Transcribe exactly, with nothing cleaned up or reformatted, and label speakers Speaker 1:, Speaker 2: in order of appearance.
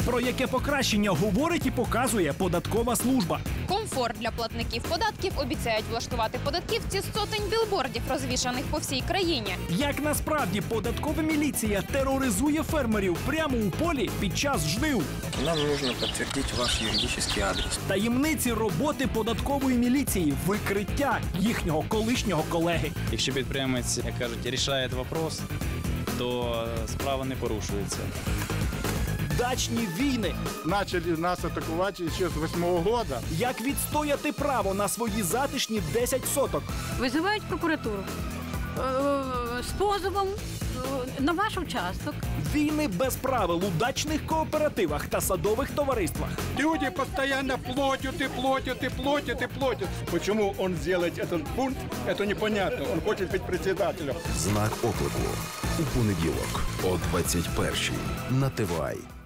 Speaker 1: Про яке покращення говорить і показує податкова служба.
Speaker 2: Комфорт для платників податків обіцяють влаштувати податківці з сотень білбордів, розвішаних по всій країні.
Speaker 1: Як насправді податкова міліція тероризує фермерів прямо у полі під час жнив.
Speaker 3: Нам нужно підтвердити ваш юридичний адрес.
Speaker 1: Таємниці роботи податкової міліції, викриття їхнього колишнього колеги.
Speaker 4: Якщо підприємець, як кажуть, рішає вопрос, то справа не порушується.
Speaker 1: Дачні війни.
Speaker 5: Начали нас атакувати ще з восьмого года.
Speaker 1: Як відстояти право на свої затишні десять соток.
Speaker 6: Визивають прокуратуру е, з позовом е, на ваш участок.
Speaker 1: Війни без правил у дачних кооперативах та садових товариствах.
Speaker 5: Люди постоянно платят и платят и платят и платят. Почему он делает этот пункт, это непонятно. Он хочет быть председателем.
Speaker 7: Знак оклику. У понеділок о двадцять першій на Т В А.